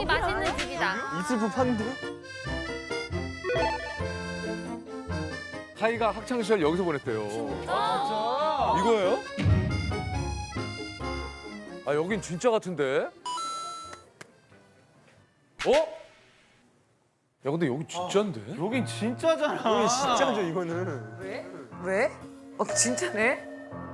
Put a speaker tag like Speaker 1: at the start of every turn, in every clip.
Speaker 1: 여기 맛있는 집이다.
Speaker 2: 있을 법한데?
Speaker 3: 하이가 학창 시절 여기서 보냈대요. 이거예요? 아 여긴 진짜 같은데? 어? 야 근데 여기 진짜인데?
Speaker 2: 여긴 진짜잖아. 여긴 진짜죠, 이거는.
Speaker 4: 왜? 진짜네?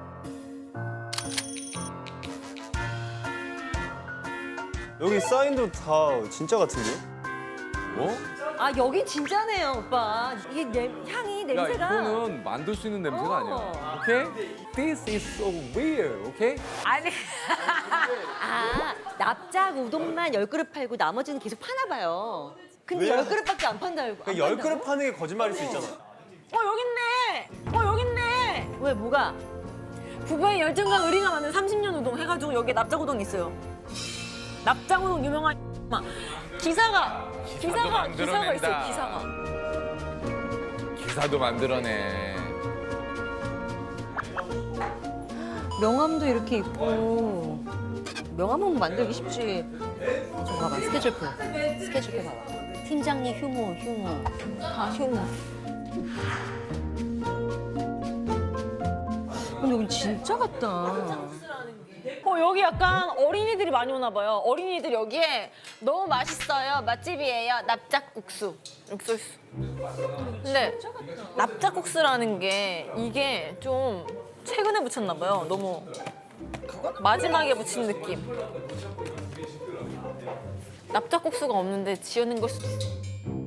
Speaker 2: 여기 사인도 다 진짜 같은데?
Speaker 3: 어?
Speaker 5: 아 여긴 진짜네요 오빠. 이게 향이
Speaker 3: 야
Speaker 5: 냄새가.
Speaker 3: 이거는 만들 수 있는 냄새가 아니야. 오케이? This is so weird. 오케이?
Speaker 5: 아니. 아 납작 우동만 10그릇 팔고 나머지는 계속 파나 봐요. 근데
Speaker 2: 왜?
Speaker 5: 10그릇밖에 안 판다고.
Speaker 2: 그러니까 10그릇 파는 게 거짓말일 수 있잖아.
Speaker 4: 여기 있네. 여기 있네.
Speaker 5: 왜 뭐가?
Speaker 4: 부부의 열정과 의리가 만든 30년 우동 해가지고 여기에 납작 우동 있어요. 납작 우동 유명한 기사가 있어요. 기사가.
Speaker 3: 기사도 만들어내.
Speaker 5: 명함도 이렇게 있고. 명함은 만들기 쉽지. 저 봐봐 스케줄표. 스케줄표 봐봐. 팀장님 휴무. 다 휴무. 근데 여기 진짜 같다.
Speaker 4: 여기 약간 어린이들이 많이 오나 봐요. 어린이들 여기에 너무 맛있어요. 맛집이에요. 납작국수. 이렇게 써 있어. 근데 납작국수라는 게 이게 좀 최근에 붙였나 봐요. 너무 마지막에 붙인 느낌. 납작국수가 없는데 지어낸 걸 수도 있어.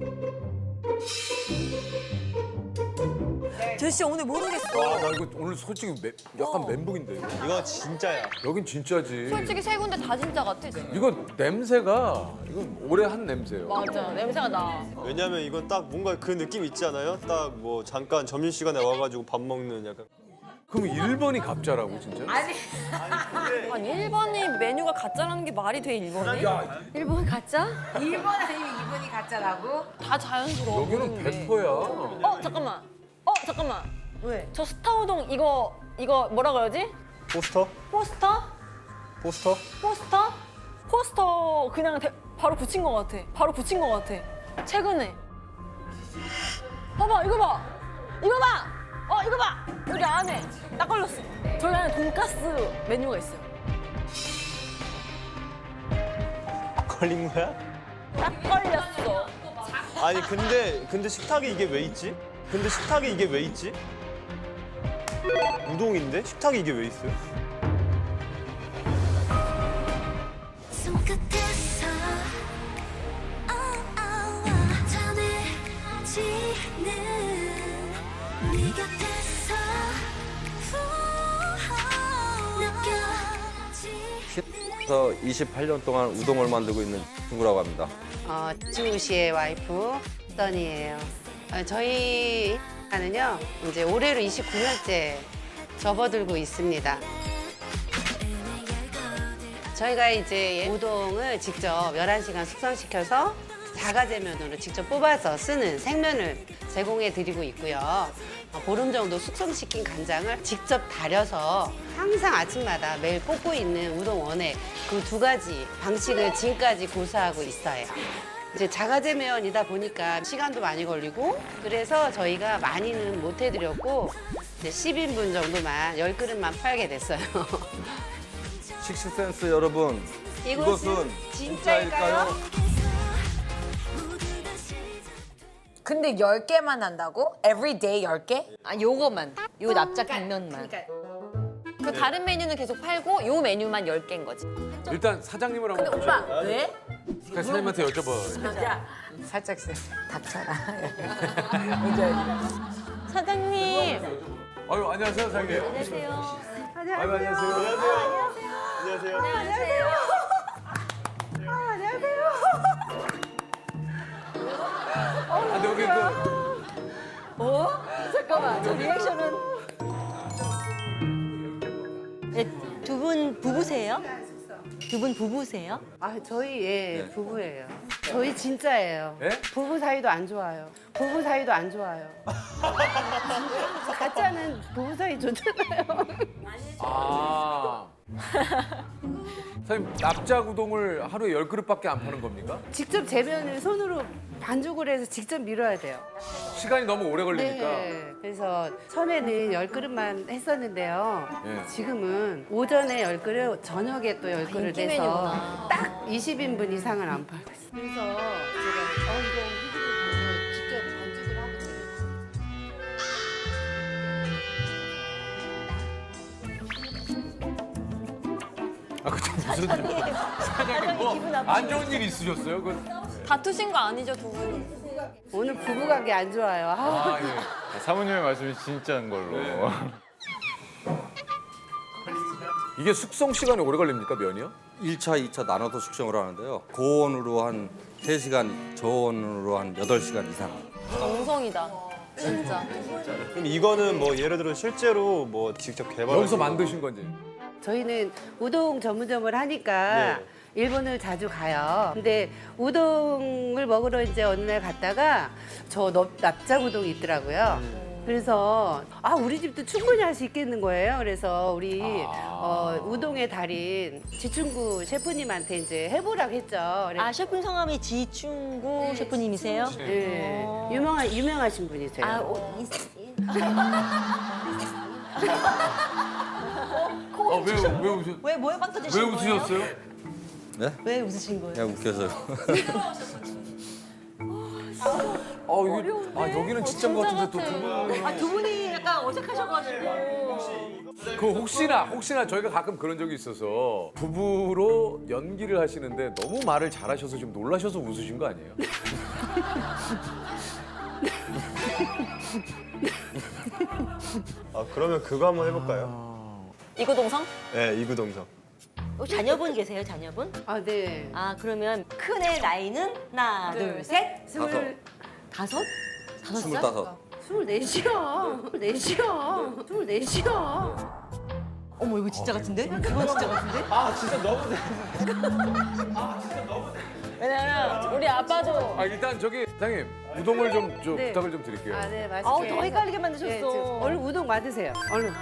Speaker 5: 제시 오늘 모르겠어.
Speaker 3: 나 이거 오늘 솔직히 약간 멘붕인데 이거.
Speaker 2: 이거 진짜야.
Speaker 3: 여긴 진짜지.
Speaker 1: 솔직히 세 군데 다 진짜 같아.
Speaker 3: 이거 냄새가 이건 오래 한 냄새예요.
Speaker 4: 맞아. 냄새가 나.
Speaker 2: 왜냐면 이건 딱 뭔가 그 느낌 있지 않아요? 딱 뭐 잠깐 점심시간에 와가지고 밥 먹는 약간.
Speaker 3: 그럼 1번이 갑자라고 진짜?
Speaker 4: 아니 1번이 메뉴가 가짜라는 게 말이 돼 1번이?
Speaker 5: 일본 가짜?
Speaker 6: 1번 아니면 2번이 가짜라고?
Speaker 4: 다 자연스러워.
Speaker 3: 여기는
Speaker 4: 보이는데.
Speaker 3: 100%야.
Speaker 4: 잠깐만.
Speaker 5: 왜?
Speaker 4: 저 스타우동 이거 뭐라 그러지?
Speaker 2: 포스터?
Speaker 4: 포스터?
Speaker 2: 포스터?
Speaker 4: 포스터? 포스터 그냥 바로 붙인 것 같아. 최근에. 봐봐, 이거 봐. 이거 봐. 여기 안에 딱 걸렸어. 저기 안에 돈가스 메뉴가 있어요.
Speaker 2: 걸린 거야?
Speaker 4: 딱 걸렸어.
Speaker 2: 아니 근데 식탁에 이게 왜 있지? 우동인데 식탁에 이게 왜 있어요?
Speaker 7: 손끝에서 전해지는 네 곁에서
Speaker 8: 그래서 28년 동안 우동을 만들고 있는 친구라고 합니다.
Speaker 6: 지우 씨의 와이프 써니예요. 저희 하는요 이제 올해로 29년째 접어들고 있습니다. 저희가 이제 우동을 직접 11시간 숙성시켜서 자가제면으로 직접 뽑아서 쓰는 생면을 제공해 드리고 있고요. 보름 정도 숙성시킨 간장을 직접 달여서 항상 아침마다 매일 뽑고 있는 우동원에 그 두 가지 방식을 지금까지 고수하고 있어요. 이제 자가제면이다 보니까 시간도 많이 걸리고 그래서 저희가 많이는 못 해드렸고 이제 10인분 정도만 10그릇만 팔게 됐어요.
Speaker 8: 식스센스 여러분, 이것은 진짜일까요?
Speaker 6: 근데 10개만 한다고? Everyday 10개?
Speaker 5: 아 요거만. 요 납작 당면만.
Speaker 1: 그 다른 메뉴는 계속 팔고 요 메뉴만 10개인 거지.
Speaker 3: 일단 사장님을 한번 보자.
Speaker 4: 오빠, 왜?
Speaker 3: 그냥 사장님한테 여쭤봐.
Speaker 4: 야,
Speaker 6: 살짝 닥쳐라.
Speaker 4: 사장님.
Speaker 3: 아유 안녕하세요 사장님.
Speaker 5: 안녕하세요.
Speaker 3: 아유 안녕하세요.
Speaker 2: 안녕하세요.
Speaker 3: 아, 근데 여기
Speaker 5: 잠깐만. 저 리액션은. 두 분 부부세요? 두 분 부부세요?
Speaker 6: 저희 부부예요. 저희 진짜예요.
Speaker 3: 예?
Speaker 6: 부부 사이도 안 좋아요. 가짜는 부부 사이 좋잖아요.
Speaker 3: 아 사장님 납작 우동을 하루에 10그릇밖에 안 파는 겁니까?
Speaker 6: 직접 재면을 손으로 반죽을 해서 직접 밀어야 돼요.
Speaker 3: 시간이 너무 오래 걸리니까.
Speaker 6: 네. 그래서 처음에는 10그릇만 했었는데요.
Speaker 3: 예.
Speaker 6: 지금은 오전에 10그릇, 저녁에 또 10그릇
Speaker 1: 인기
Speaker 6: 해서
Speaker 1: 메뉴구나.
Speaker 6: 딱 20인분 이상을 안 팔고 있어요. 그래서 제가 이거 해주고 직접 반죽을 하고 드려요.
Speaker 3: 아 그때 무슨 사장님 뭐 안 좋은 일 있으셨어요?
Speaker 1: 다투신 거 아니죠, 두 분이?
Speaker 6: 오늘 부부관계 안 좋아요. 아,
Speaker 3: 예.
Speaker 9: 사모님의 말씀이 진짜인 걸로.
Speaker 3: 이게 숙성 시간이 오래 걸립니까 면이요?
Speaker 8: 1차, 2차 나눠서 숙성을 하는데요. 고온으로 한 3시간, 저온으로 한 8시간 이상.
Speaker 1: 정성이다. 진짜.
Speaker 2: 그럼 이거는 뭐 예를 들어 실제로 뭐 직접 개발
Speaker 3: 여기서 만드신 건지.
Speaker 6: 저희는 우동 전문점을 하니까
Speaker 2: 네.
Speaker 6: 일본을 자주 가요. 근데 우동을 먹으러 이제 어느 날 갔다가 저 납작 우동이 있더라고요. 그래서 아 우리 집도 충분히 할 수 있겠는 거예요. 그래서 우리 우동의 달인 지충구 셰프님한테 이제 해보라고 했죠.
Speaker 5: 아 셰프 성함이 지충구 셰프님이세요?
Speaker 6: 네. 유명하신 분이세요.
Speaker 5: 아,
Speaker 3: 왜 웃으?
Speaker 5: 왜 뭐에 빵 터지신
Speaker 3: 왜
Speaker 5: 거예요?
Speaker 3: 웃으셨어요?
Speaker 8: 네?
Speaker 5: 왜 웃으신 거예요?
Speaker 8: 그냥 웃겨서요.
Speaker 3: 이게 여기는 진짜인 것 같은데 또 두 분.
Speaker 5: 아, 두 분이 약간 어색하셔가지고.
Speaker 3: 그 혹시나 저희가 가끔 그런 적이 있어서 부부로 연기를 하시는데 너무 말을 잘하셔서 좀 놀라셔서 웃으신 거 아니에요?
Speaker 2: 아 그러면 그거 한번 해볼까요?
Speaker 1: 이구동성?
Speaker 2: 네, 이구동성.
Speaker 5: 자녀분 계세요, 자녀분?
Speaker 6: 아 네.
Speaker 5: 아, 그러면 큰 애 나이는 하나, 둘, 셋.
Speaker 6: 25.
Speaker 5: 다섯? 다섯 살?
Speaker 8: 25.
Speaker 6: 24시요. 24시요.
Speaker 5: 어머, 이거 진짜 같은데? 이거 진짜 같은데?
Speaker 1: 왜냐면 우리 아빠도
Speaker 3: 일단 저기 사장님 우동을 좀
Speaker 6: 네.
Speaker 3: 부탁을 좀 드릴게요.
Speaker 6: 아 네, 맛있게.
Speaker 5: 아우, 더 헷갈리게 만드셨어.
Speaker 6: 네, 얼른 우동 맞으세요. 얼른.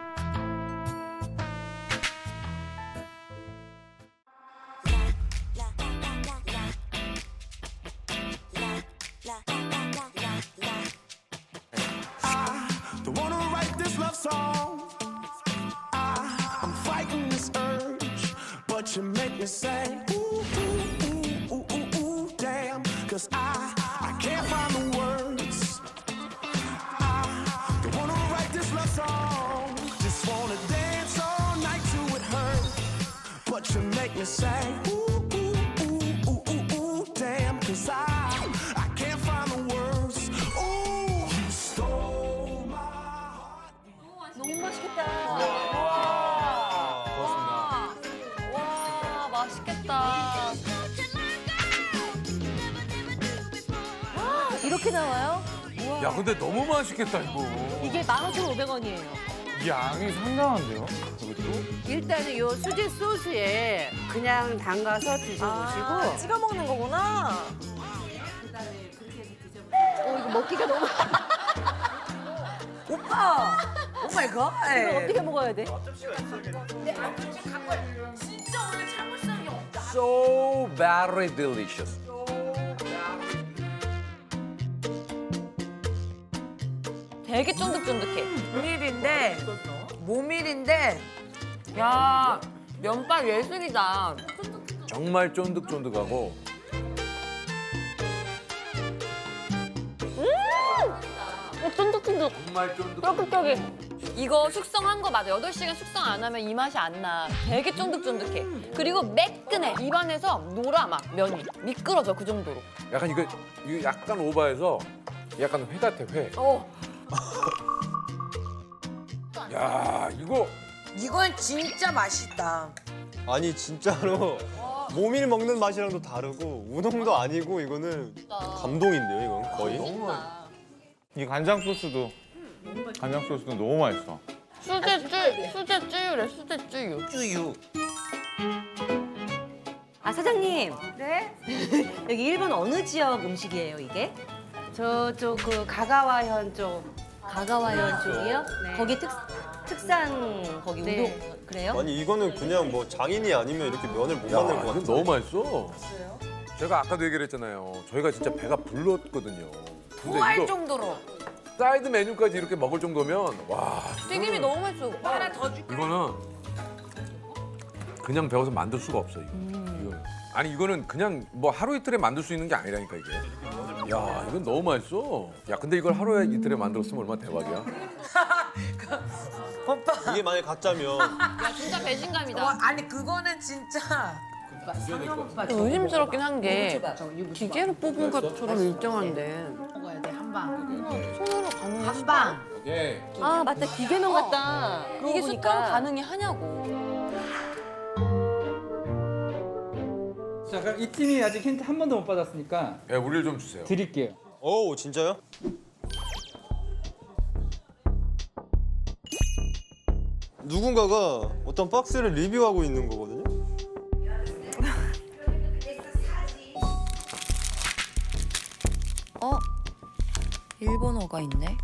Speaker 10: Don't wanna write this love song. I'm fighting this urge, but you make me say, ooh, ooh, ooh, ooh, ooh, ooh, damn. 'Cause I can't find the words. I don't wanna write this love song. Just wanna dance all night till it hurts. But you make me say, ooh, ooh, ooh, ooh, ooh, ooh, damn. 'Cause I can't find the words. Ooh, you stole my heart.
Speaker 5: 너무 맛있겠다.
Speaker 1: 와 맛있겠다.
Speaker 5: 이렇게 나와요?
Speaker 3: 야 근데 너무 맛있겠다 이거.
Speaker 5: 이게 15,500원이에요.
Speaker 9: 양이 상당한데요?
Speaker 6: 일단은 요 수제 소스에 그냥 담가서 드셔보시고
Speaker 4: 찍어 먹는 거구나.
Speaker 5: 이거 먹기가 너무.
Speaker 4: 오빠. 오 마이 갓.
Speaker 5: 이거 어떻게 먹어야 돼?
Speaker 3: So very delicious.
Speaker 1: 되게 쫀득쫀득해.
Speaker 4: 모밀인데 야 면발 예술이다.
Speaker 3: 정말 쫀득쫀득하고.
Speaker 1: 쫀득쫀득.
Speaker 3: 정말 쫀득.
Speaker 1: 쫄깃쫄깃. 이거 숙성한 거 맞아. 8시간 숙성 안 하면 이 맛이 안 나. 되게 쫀득쫀득해. 그리고 매끈해. 입안에서 놀아 막 면이. 미끄러져 그 정도로.
Speaker 3: 약간 이거 약간 오버해서 약간 회 같아 회. 야 이거
Speaker 4: 이건 진짜 맛있다.
Speaker 2: 아니 진짜로 모밀 먹는 맛이랑도 다르고 우동도 아니고 이거는 감동인데요, 이건 거의.
Speaker 9: 이 간장 소스도 너무 맛있어.
Speaker 1: 수제쯔유래, 수제쯔유.
Speaker 5: 아, 사장님.
Speaker 6: 네?
Speaker 5: 여기 일본 어느 지역 음식이에요, 이게?
Speaker 6: 저쪽 그 가가와현 쪽.
Speaker 5: 가가와현 쪽이요?
Speaker 6: 네.
Speaker 5: 거기 특산 거기
Speaker 6: 네.
Speaker 5: 우동 그래요?
Speaker 2: 아니 이거는 그냥 뭐 장인이 아니면 이렇게 면을 못
Speaker 3: 야,
Speaker 2: 만들 것
Speaker 3: 이거
Speaker 2: 같아.
Speaker 3: 너무 맛있어. 제가 아까도 얘기를 했잖아요. 저희가 진짜 배가 불렀거든요. 근데
Speaker 1: 토할
Speaker 3: 이거
Speaker 1: 정도로.
Speaker 3: 사이드 메뉴까지 이렇게 먹을 정도면 와.
Speaker 1: 튀김이 너무 맛있어. 하나 더 줄.
Speaker 3: 이거는 그냥 배워서 만들 수가 없어 이거. 이거는. 아니 이거는 그냥 뭐 하루 이틀에 만들 수 있는 게 아니라니까 이게. 야 이건 너무 맛있어. 야 근데 이걸 하루에 이틀에 만들었으면 얼마나 대박이야.
Speaker 2: 이게 만약 가짜면
Speaker 1: 야 진짜 배신감이다.
Speaker 11: 아니 그거는 진짜
Speaker 1: 의심스럽긴 한 게 기계로 뽑은 것처럼 일정한데
Speaker 11: 먹어야 돼 한방
Speaker 1: 손으로 가능해?
Speaker 11: 한방
Speaker 3: 오케이.
Speaker 5: 아 맞다 기계면 같다.
Speaker 1: 이게 숫자로 가능이 하냐고.
Speaker 12: 자, 그럼 이 팀이 아직 힌트 한 번도 못 받았으니까
Speaker 3: 야 우리를 좀 주세요.
Speaker 12: 드릴게요.
Speaker 2: 오 진짜요? 누군가가 어떤 박스를 리뷰하고 있는 거거든요.
Speaker 1: 일본어가 있네.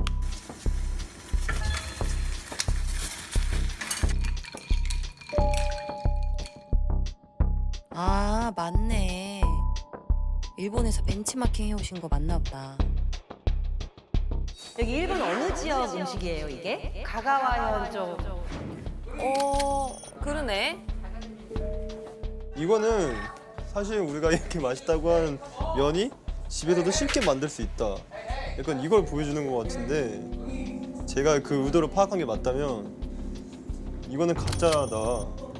Speaker 1: 아 맞네. 일본에서 벤치마킹 해오신 거 맞나 보다.
Speaker 5: 여기 일본 어느 지역 음식이에요 이게?
Speaker 6: 가가와 현쪽.
Speaker 1: 그러네.
Speaker 2: 이거는 사실 우리가 이렇게 맛있다고 하는 면이 집에서도 쉽게 만들 수 있다. 약간 이걸 보여주는 것 같은데 제가 그 의도를 파악한 게 맞다면 이거는 가짜다.